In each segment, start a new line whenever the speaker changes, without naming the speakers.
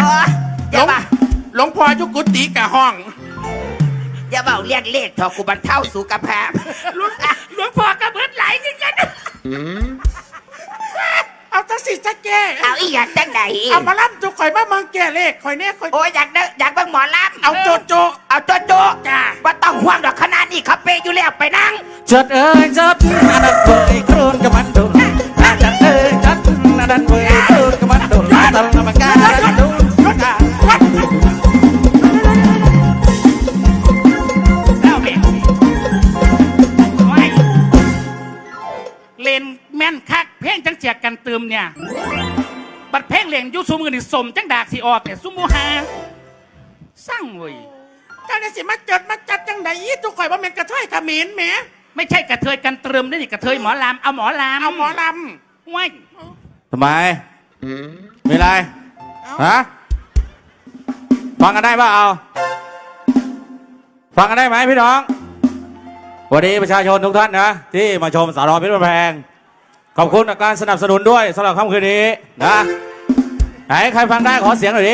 อย่าบ้า
หลวงพ่อยุกุติกะห้อง
อย่าเบาเรียกเลขทอกูบรรเทาสุขภาพ
หลวงพ่อกระเบิดไหลกันเอาตั้งสิจะแก่
เอาอีกอย่างจังใด
เอามาล่ำจุกข่อยมาเมืองแก่เลขข่อยเนี่ยข่อย
โอ้ยอยากเบิ่งหมอลำ
เอาโจโจ
จ้าว่าต้องห่วงดอกขนาดนี้เขาเปอยู่แล้วไปนั่ง
จัดจัดอันนั้นเว้ยครูนกับมันดูจัดจัดอันนั้นเว้ยครูนกับมันดูตลอดมาการดู
เล่นแม่นคักเพ่งจังเจียกกันตืมเนี่ยบัดเพ่งเล่นยุซุมกันนี่สมจังดากสิออกเนี่ยซุมโมหาสร้างเว้ย
เจ้าเนี่ยสิมาจัดจังใดยี่จุกข่อยว่าเป็นกระเทยขมิ้นแหม
ไม่ใช่กระเทยกันตืมนี่กระเทยหมอลำเอาหมอลำว้าย
ทำไมมีอะไรฮะฟังกันได้ป่ะเอาฟังกันได้ไหมพี่น้องวันนี้ประชาชนทุกท่านนะที่มาชมสารพิษแพงขอบคุณการสนับสนุนด้วยสำหรับค่ำคืนนี้นะไหนใครฟังได้ขอเสียงหน่อยดิ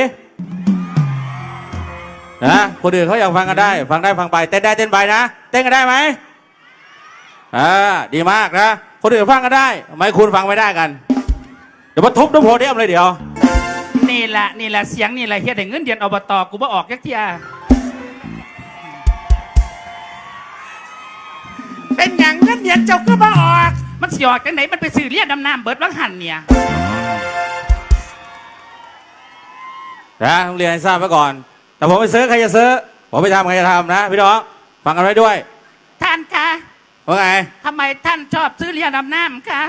นะคนอื่นเขาอยากฟังกันได้ฟังได้ฟังไปเต้นได้เต้นไปนะเต้นกันได้ไหมดีมากนะคนอื่นฟังกันได้ทำไมคุณฟังไม่ได้กันเดี๋ยวมาทุบน้ำโพเดียมเลยเดี๋ยว
นี่แหละเสียงนี่แหละเฮียแต่เงินเดือนอบตกูบ่ออกยักเทีย
เป็นอย่างเงินเดือนเจ้าก็มาออก
มันสิออกกันไหนมันไปสื่อเรียกดำน้ำเบิดวังหันเนี่ย
นะต้องเรียนให้ทราบไว้ก่อนแต่ผมไปซื้อใครจะซื้อผมไปทำใครจะทำนะพี่น้องฟังกันไว้ด้วย
ท่านคะ
ว่าไง
ทำไมท่านชอบซื้อเรือดำน้ำคะ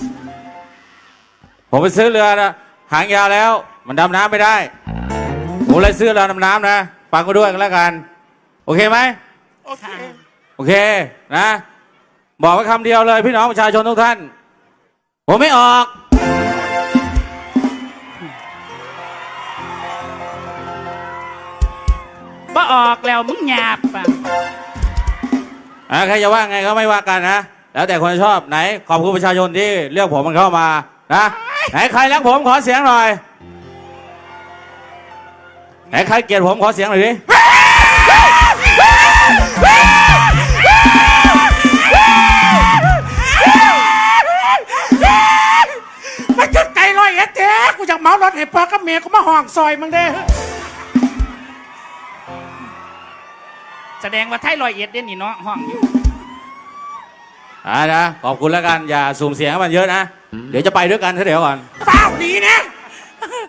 ผมไปซื้อเรือนะหางยาวแล้วมันดำน้ำไม่ได้ผมเลยซื้อเรือดำน้ำนะฟังกันด้วยกันแล้วกันโอเคไหมโอเคนะบอกไว้คำเดียวเลยพี่น้องประชาชนทุกท่านผมไม่ออก
บ่ออกแล้วมึงหยาบป่ะ
ใครจะว่าไงก็ไม่ว่ากันนะแล้วแต่คนชอบไหนขอบคุณประชาชนที่เลือกผมมันเข้ามานะไหนใครรักผมขอเสียงหน่อยไหนใครเกลียดผมขอเสียงหน่อยดิ
มันจุดไก่ลอยเจ๊กูอยากเมารถให้พ่อกับเมียกูมาห่องซอยมึงเด้
แสดงว่าไทยลอยเอ็ดเด่นนี่เนาะห้องอยู่
นะขอบคุณแล้วกันอย่าสุ่มเสียงให้มันเยอะนะเดี๋ยวจะไปด้วยกันเดี๋ยวก่อน
เฝ้าดีนะ